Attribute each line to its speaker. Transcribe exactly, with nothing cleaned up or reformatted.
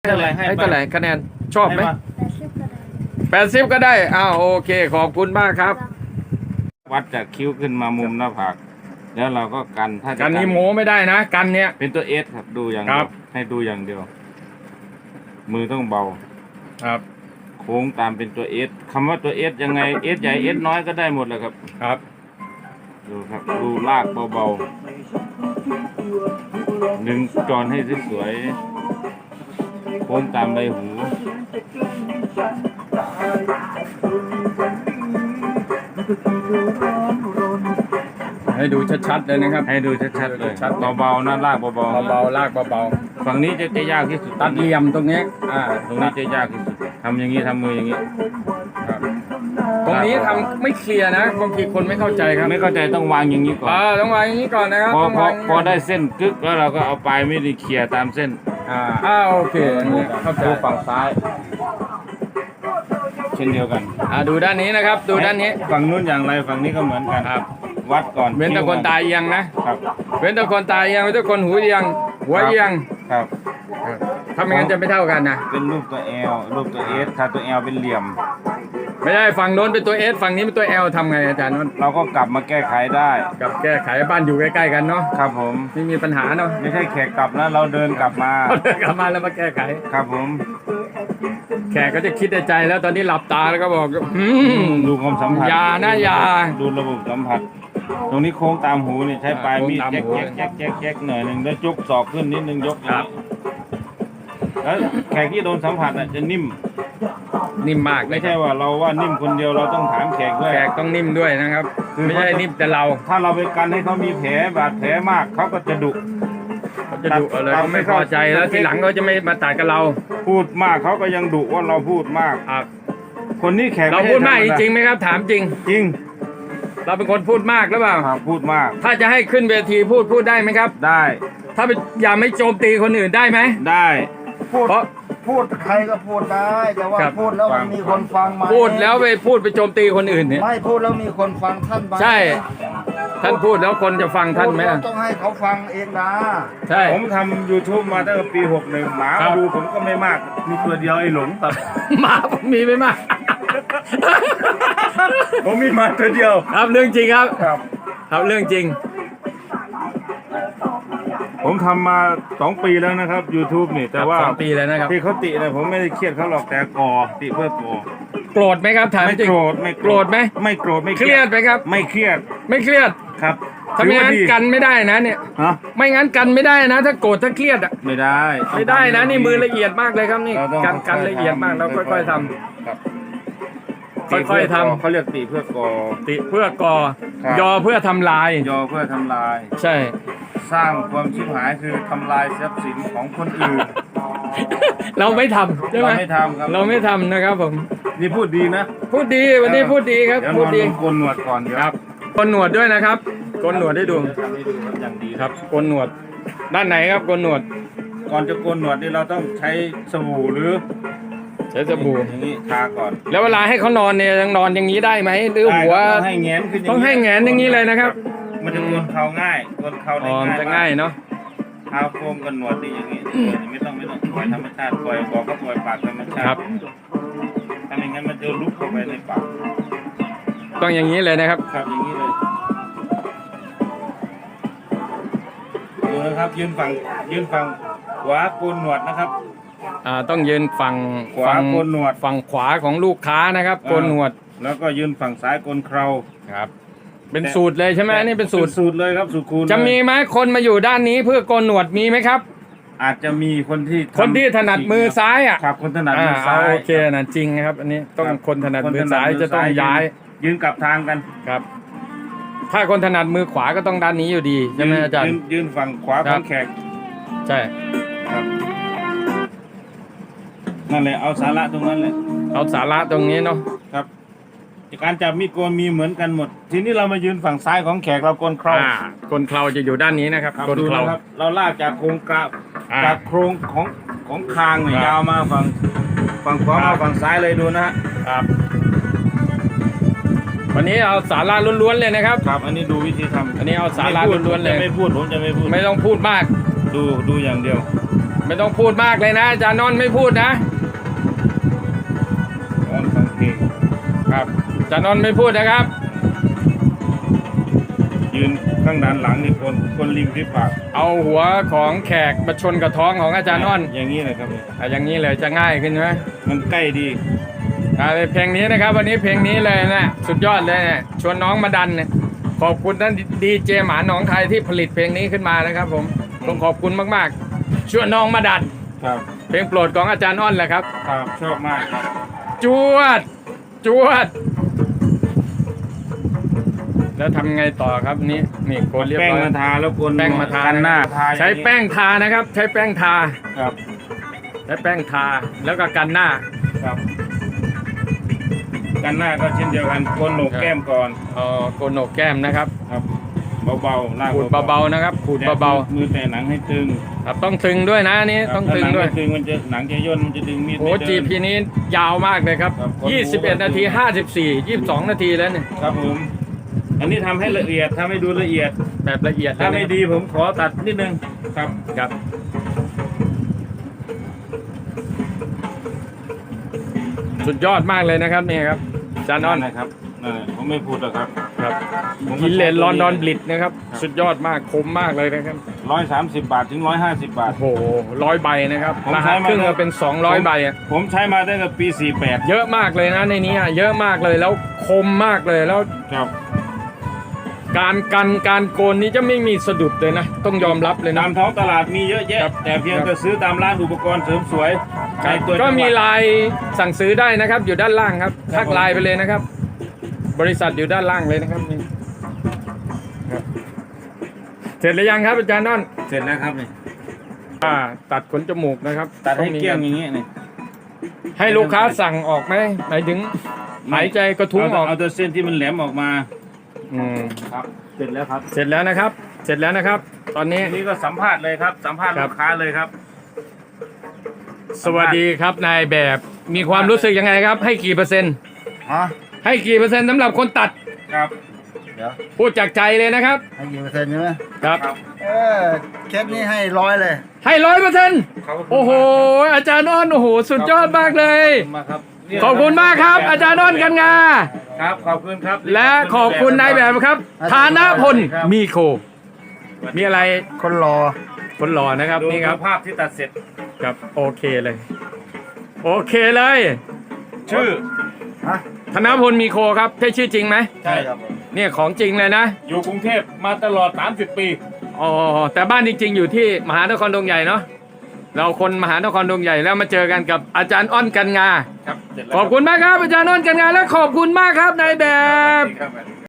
Speaker 1: เท่าไหร่ให้เท่าไหร่คะแนนชอบไหมแปดสิบก็ได้อ้าวโอเคขอบคุณมากครับ
Speaker 2: วัดจากคิ้วขึ้นมามุมหน้าผากแล้วเราก็กันถ้า
Speaker 1: กันนี้โม้ไม่ได้นะกันเนี้ย
Speaker 2: เป็นตัวเอสครับดูอย่างเดียวให้ดูอย่างเดียวมือต้องเบา
Speaker 1: ครับ
Speaker 2: โค้งตามเป็นตัวเอสคำว่าตัวเอสยังไงเอสใหญ่เอสน้อยก็ได้หมดเลยครับ
Speaker 1: ครับ
Speaker 2: ดูครับดูลากเบาๆดึงจอนให้สวยๆโค้งตามใบหู
Speaker 1: ให้ดูชัดๆเลยนะครับ
Speaker 2: ให้ดูชัดๆเลยเบาๆนะลากเบา
Speaker 1: ๆเบาๆลากเบา
Speaker 2: ๆฝั่งนี้จะจะยากที่สุด
Speaker 1: ตัดเหลี่ยมตรงนี้
Speaker 2: อ่าตรงนี้จะยากที่สุดทำอย่างนี้ทำมืออย่างนี้
Speaker 1: ตรงนี้ทำไม่เคลียร์นะบางทีคนไม่เข้าใจครับ
Speaker 2: ไม่เข้าใจต้องวางอย่างนี้ก่อน
Speaker 1: อ่าต้องวางอย่างนี้ก่อนนะครับ
Speaker 2: พอพอพอได้เส้นกึกแล้วเราก็เอาปลายไม่ได้เคลียร์ตามเส้น
Speaker 1: อ่าอ่าโอเคเข้าใจ
Speaker 2: ฝั่งซ้ายเช่นเดียวกัน
Speaker 1: อ่าดูด้านนี้นะครับดูด้านนี้
Speaker 2: ฝั่งนู้นอย่างไรฝั่งนี้ก็เหมือนกัน
Speaker 1: ครับ
Speaker 2: วัดก่อน
Speaker 1: เว้นแต่คนตายเอียงนะครับเว้นแต่คนตายเอียงเว้นแต่คนหูเอียงหัวเอียง
Speaker 2: ครับ
Speaker 1: ถ้าไม่งั้นจะไม่เท่ากันนะ
Speaker 2: เป็นรูปตัว L รูปตัว S ถ้าตัว L เป็นเหลี่ยม
Speaker 1: ไม่ได้ฝั่งโน้นเป็นตัว S ฝั่งนี้เป็นตัว L ทำไงอาจารย์นน
Speaker 2: เราก็กลับมาแก้ไขได้
Speaker 1: กลับแก้ไขบ้านอยู่ใกล้ๆกันเนาะ
Speaker 2: ครับผม
Speaker 1: ไม่มีปัญหาเนาะ
Speaker 2: ไม่ใช่แขกกลับนะเราเดินกลับมา
Speaker 1: เดินกลับมาแล้วมาแก้ไข
Speaker 2: ครับผม
Speaker 1: แขกก็จะคิดในใจแล้วตอนนี้หลับตาแล้วก็บอก
Speaker 2: ดูความสัมผัส
Speaker 1: ยานะยา
Speaker 2: ดูระบบสัมผัสตรงนี้โค้งตามหูนี่ใช้ปลายมีดแจ๊กแจ๊กแจ๊กแจ๊กแจ๊กหน่อยหนึ่งแล้วยกศอกขึ้นนิดนึงยกครับแล้วแขกที่โดนสัมผัสอ่ะจะนิ่ม
Speaker 1: นิ่มมาก
Speaker 2: ไม่ใช่ว่าเราว่านิ่มคนเดียวเราต้องถามแขกด้วย
Speaker 1: แขกต้องนิ่มด้วยนะครับไม่ใช่นิ่มแต่เรา
Speaker 2: ถ้าเราไปกันให้เขามีแผลบาดแผลมากเขาก็จะดุ
Speaker 1: เขาจะดุอะไรเขาไม่พอใจแล้วทีหลังเขาจะไม่มาตัดกับเรา
Speaker 2: พูดมากเขาก็ยังดุว่าเราพูดมาก
Speaker 1: ครับ
Speaker 2: คนนี้แขก
Speaker 1: เราพูดมากจริงไหมครับถามจริง
Speaker 2: จริง
Speaker 1: เราเป็นคนพูดมากหรือเปล่า
Speaker 2: พูดมาก
Speaker 1: ถ้าจะให้ขึ้นเวทีพูดพูดได้ไหมครับ
Speaker 2: ได้
Speaker 1: ถ้าอย่าไม่โจมตีคนอื่นได้ไหม
Speaker 2: ได้
Speaker 3: พูดพูดใครก็พูดได้แต่ว่าพูดแล้วมันมีคนฟังไหม
Speaker 1: พูดแล้วไปพูดไปโจมตีคนอื่นเนี่ย
Speaker 3: ไม่พูดแล้วมีคนฟังท่าน
Speaker 1: ใช่ท่านพูดแล้วคนจะฟังท่านไหม
Speaker 3: ต้องให้เขาฟังเองนะ
Speaker 1: ใช่
Speaker 2: ผมทำ YouTube มาตั้งแต่ปีหกสิบเอ็ดหมาดูผมก็ไม่มากมีตัวเดียวไอ้หลงตับ
Speaker 1: หมาผมมีไม่มาก
Speaker 2: ผมมีมาตัวเดียว
Speaker 1: ครับเรื่องจริงครับ
Speaker 2: ครับ
Speaker 1: ครับเรื่องจริง
Speaker 2: ผมทำมาสองปีแล้วนะครับ YouTube นี่แต่ว่า
Speaker 1: สองปีแล้วนะครับ
Speaker 2: ที่เขาตินะผมไม่ได้เครียดเขาหรอกแต่ก่อติเพื่อก่อ
Speaker 1: โกรธไหมครับถามจริง
Speaker 2: ไม่โกรธไม่
Speaker 1: โกรธไหม
Speaker 2: ไม่โกรธไม่
Speaker 1: เครียดไหมครับ
Speaker 2: ไม่เครียด
Speaker 1: ไม่เครียด
Speaker 2: ครับ
Speaker 1: ถ้าไม่งั้นกันไม่ได้นะเนี่ยไม่งั้นกันไม่ได้นะถ้าโกรธถ้าเครียดอ่ะ
Speaker 2: ไม่ได้
Speaker 1: ไม่ได้นะนี่มือละเอียดมากเลยครับนี่กันกันละเอียดมากเราค่อยๆทำค่อยๆทำ
Speaker 2: เขาเรียกติเพื่อก่อ
Speaker 1: ติเพื่อก่อยอเพื่อทำลาย
Speaker 2: ยอเพื่อทำลาย
Speaker 1: ใช่
Speaker 2: สร้างความชิบหายคือทำลายทรัพย์สินของคนอื่น
Speaker 1: เราไม่ทำใช่ไหม
Speaker 2: เราไม่ทำครับ
Speaker 1: เราไม่ทำนะครับผม
Speaker 2: นี่พูดดีนะ
Speaker 1: พูดดีวันนี้พูดดีครับพูดดี
Speaker 2: โกนหนวดก่อน
Speaker 1: ครับโกนหนวดด้วยนะครับโกนหนวดให้ดู
Speaker 2: อย่างดี
Speaker 1: ครับโกนหนวดด้านไหนครับโกนหนวด
Speaker 2: ก่อนจะโกนหนวดนี่เราต้องใช้สบู่หรือ
Speaker 1: ใช้สบู่
Speaker 2: อย่างนี้ทาก่อน
Speaker 1: แล้วเวลาให้เขานอนเนี่ยยังนอนอย่างนี้ได้ไหมหรือหัว
Speaker 2: ต้องให้แงนขึ้น
Speaker 1: ต้องให้แงนอย่างนี้เลยนะครับ
Speaker 2: มันจะโกนเข่าง่ายโกนเข่าได้ง่าย
Speaker 1: จะง่ายเนาะ
Speaker 2: เท้าโค้งกันหนวดนี่อย่างนี้ไม่ต้องไม่ต้องปล่อยธรรมชาติปล่อยบอกก็ปล่อยปากธรรมชาติ
Speaker 1: ครับ
Speaker 2: ถ้าไม่งั้นมันจะลุกเข้าไปในปาก
Speaker 1: ต้องอย่างนี้เลยนะครับ
Speaker 2: ครับอย่างนี้เลยดูนะครับยืนฝั่งยืนฝั่งขวาโกนหนวดนะครับ
Speaker 1: อ่าต้องยืนฝั่ง
Speaker 2: ขวาโกนหนวด
Speaker 1: ฝั่งขวาของลูกค้านะครับโกนหนวด
Speaker 2: แล้วก็ยืนฝั่งซ้ายโกนเครา
Speaker 1: ครับเป็นสูตรเลยใช่ไหมนี่เป็นสูตร
Speaker 2: สูตรเลยครับสูตรคูณ
Speaker 1: จะมีไหมคนมาอยู่ด้านนี้เพื่อโกนหนวดมีไหมครับ
Speaker 2: อาจจะมีคนที่
Speaker 1: คนที่ถนัดมือซ้ายอ่ะ
Speaker 2: ครับคนถนัดมือซ้าย
Speaker 1: โอเคนะจริงนะครับอันนี้ต้องคนถนัดมือซ้ายจะต้องย้าย
Speaker 2: ยืนกลับทางกัน
Speaker 1: ครับถ้าคนถนัดมือขวาก็ต้องด้านนี้อยู่ดีใช่ไหมอาจารย์
Speaker 2: ยืนฝั่งขวาของแขก
Speaker 1: ใช่
Speaker 2: ครับนั่นแหละเอาสาระตรงนั้นเลย
Speaker 1: เอาสาระตรงนี้เนาะ
Speaker 2: ครับการจับมีดโกนมีเหมือนกันหมดทีนี้เรามายืนฝั่งซ้ายของแขกเราโกนเครา
Speaker 1: โกนเคราจะอยู่ด้านนี้นะครับโกนเครา
Speaker 2: เราลากจากโครงกระจากโครงของของคางเนี่ยยาวมาฝั่งฝั่งขวามาฝั่งซ้ายเลยดูนะฮะ
Speaker 1: ครับวันนี้เอาสาระล้วนๆเลยนะครับ
Speaker 2: ครับอันนี้ดูวิธีทำ
Speaker 1: อันนี้เอาสาระล้วนๆเลย
Speaker 2: ไม่พูดผมจะไม่พูด
Speaker 1: ไม่ต้องพูดมาก
Speaker 2: ดูดูอย่างเดียว
Speaker 1: ไม่ต้องพูดมากเลยนะอาจารย์นนท์ไม่พูดนะ
Speaker 2: ร้อนฟังเพลง
Speaker 1: ครับอาจารย์นนท์ไม่พูดนะครับ
Speaker 2: ยืนข้างด้านหลังนี่คนคนริมฝีปาก
Speaker 1: เอาหัวของแขกมาชนกับท้องของอาจารย์อ้อน
Speaker 2: อย่างนี้เลยครับเนี่ย
Speaker 1: อ่ะอย่างนี้เลยจะง่ายขึ้นไหม
Speaker 2: มันใกล้ดี
Speaker 1: อ่ะเพลงนี้นะครับ วันนี้เพลงนี้เลยนะสุดยอดเลยนะชวนน้องมาดันเนี่ยขอบคุณท่านดีเจหมาหนองคายที่ผลิตเพลงนี้ขึ้นมานะครับ ผมต้องขอบคุณมากๆชวนน้องมาดัน
Speaker 2: ครับ
Speaker 1: เพลงโปรดของอาจารย์อ้อนแหละครับ
Speaker 2: ครับชอบมากครับ
Speaker 1: จวด จวด แล้วทำไงต่อครับนี่นี่โคนเรียบ
Speaker 2: แป้ง
Speaker 1: ร้อย
Speaker 2: มาทาแล้วคน
Speaker 1: แป้งมาทา
Speaker 2: กันหน้า
Speaker 1: ใช้แป้งทานะครับ ใช้แป้งทา
Speaker 2: ครับ
Speaker 1: ใช้แป้งทาแล้วก็กันหน้า
Speaker 2: ครับ กันหน้าก็เช่นเดียวกันโคนโหนกแก้มก่อน
Speaker 1: เอ่อโกนโหนกแก้มนะครับ
Speaker 2: ครับเบาๆลาก
Speaker 1: ขูดเบาๆนะครับขูดเบา
Speaker 2: มือแต่หนังให้ตึง
Speaker 1: ๆครับต้องตึงด้วยนะอันนี้ต้องตึงด้วย
Speaker 2: ถ้าหนัไม่ตึงมันจะหนังจะย่นมันจะดึงมีด
Speaker 1: โอ้
Speaker 2: ไม่เดิน
Speaker 1: จีพีนี้ยาวมากเลยครับ
Speaker 2: ครับคนดู
Speaker 1: ยี่สิบเอ็ดนาทีห้าสิบสี่ ยี่สิบสองนาทีแล้วเนี่ย
Speaker 2: ครับผมอันนี้ทำให้ละเอียดทำให้ดูละเอียด
Speaker 1: แบบละเอียด
Speaker 2: ถ้า
Speaker 1: เลย
Speaker 2: ไม่
Speaker 1: นะ
Speaker 2: ดีผมขอตัดนิดนึงครับ
Speaker 1: ครับ สุดยอดมากเลยนะครับนี่ครับอาจารย์อ้อน
Speaker 2: นะครับนั่นแหละผมไม่พูดหรอกครับ
Speaker 1: ครับ
Speaker 2: ผม
Speaker 1: กินเลนลอนดอนบลิดนะครับ
Speaker 2: ครับ
Speaker 1: สุดยอดมากคมมากเลยนะครับ
Speaker 2: ร้อยสามสิบบาทถึงร้อยห้าสิบบาท
Speaker 1: โอ้โหร้อยใบนะครับ
Speaker 2: ผม
Speaker 1: ร
Speaker 2: ใช้
Speaker 1: หัส
Speaker 2: มา
Speaker 1: ครึ่งก็เป็นสองร้อยใบอะ
Speaker 2: ผมใช้มาตั้งแต่ปีสี่แปด
Speaker 1: เยอะมากเลยนะในนี้อะเยอะมากเลยแล้วคมมากเลยแล้ว
Speaker 2: ครับ
Speaker 1: การกันการโกนนี้จะไม่มีสะดุดเลยนะ ต้องยอมรับเลยนะ
Speaker 2: ตามท้องตลาดมีเยอะแยะ
Speaker 1: ครับ
Speaker 2: แต่เพียงแต่ซื้อตามร้านอุปกรณ์เสริมสวยในตัว
Speaker 1: ก็มี
Speaker 2: จังหวัด
Speaker 1: ไลน์สั่งซื้อได้นะครับ อยู่ด้านล่างครับ
Speaker 2: ครับ
Speaker 1: ทักไลน์ไปเลยนะครับ บริษัทอยู่ด้านล่างเลยนะครับนี่ครับเสร็จหรือยังครับอาจารย์น้อน
Speaker 2: เสร็จแล้วครับนี่
Speaker 1: อ่าตัดขนจมูกนะครับ
Speaker 2: ตัดให้
Speaker 1: องมี
Speaker 2: เกลี้ยงอย่างนี้นี่
Speaker 1: ให้ลูกค้าสั่งออกไหมหมายถึงหายใจกระทุ้งออก
Speaker 2: เอาแต่เส้นที่มันแหลมออกมา
Speaker 1: อืม
Speaker 2: ครับ เสร็จแล้วครับ
Speaker 1: เสร็จแล้วนะครับ เสร็จแล้วนะครับ ตอนนี้
Speaker 2: ทีนี้ก็สัมภาษณ์เลยครับ สัมภาษณ์
Speaker 1: ครับ
Speaker 2: ลูกค้าเลยครับ
Speaker 1: สวัสดีครับนายแบบมีความรู้สึกยังไงครับ ให้กี่เปอร์เซ็นต์
Speaker 3: ฮะ
Speaker 1: ให้กี่เปอร์เซ็นต์สำหรับคนตัด
Speaker 2: ครับ
Speaker 3: เดี๋ยว
Speaker 1: พูดจากใจเลยนะครับ
Speaker 3: ให้กี่เปอร์เซ็นต์ใช่ไหม
Speaker 1: ครับ
Speaker 2: ครับ
Speaker 3: เออเคสนี้ให้ร้อยเลย
Speaker 1: ให้ร้อยเปอร์เซ็นต์
Speaker 2: ขบคุณ
Speaker 1: โอ้โห อาจารย์อ้อนโอ้โหสุดยอดมากเลย
Speaker 2: ขอบคุณมากครับ
Speaker 1: ขอบคุณมากครับ อาจารย์อ้อนกันงา
Speaker 2: ครับขอบคุณครับ
Speaker 1: และขอบคุณนายแบบครับธานพลมีโค มีอะไร
Speaker 3: คนรอ
Speaker 1: คนหล่อนะครับ
Speaker 2: ดู
Speaker 1: นี่ครับ
Speaker 2: ภาพที่ตัดเสร็จ
Speaker 1: ครับโอเคเลย โอเคเลย
Speaker 2: ชื่อ
Speaker 3: ฮะ
Speaker 1: ธนพลมีโคครับใช่ชื่อจริงไหม
Speaker 3: ใช่ครับผม
Speaker 1: เนี่ยของจริงเลยนะ
Speaker 2: อยู่กรุงเทพมาตลอดสามสิบปี
Speaker 1: อ๋อแต่บ้านจริงๆอยู่ที่มหานครดงใหญ่เนาะเราคนมหานครดงใหญ่แล้วมาเจอกันกับอาจารย์อ้อนกันงา
Speaker 2: ครับเสร็จแล้ว
Speaker 1: ขอบคุณมากครับอาจารย์อ้อนกันงาและขอบคุณมากครับนายแบบ
Speaker 2: ครับ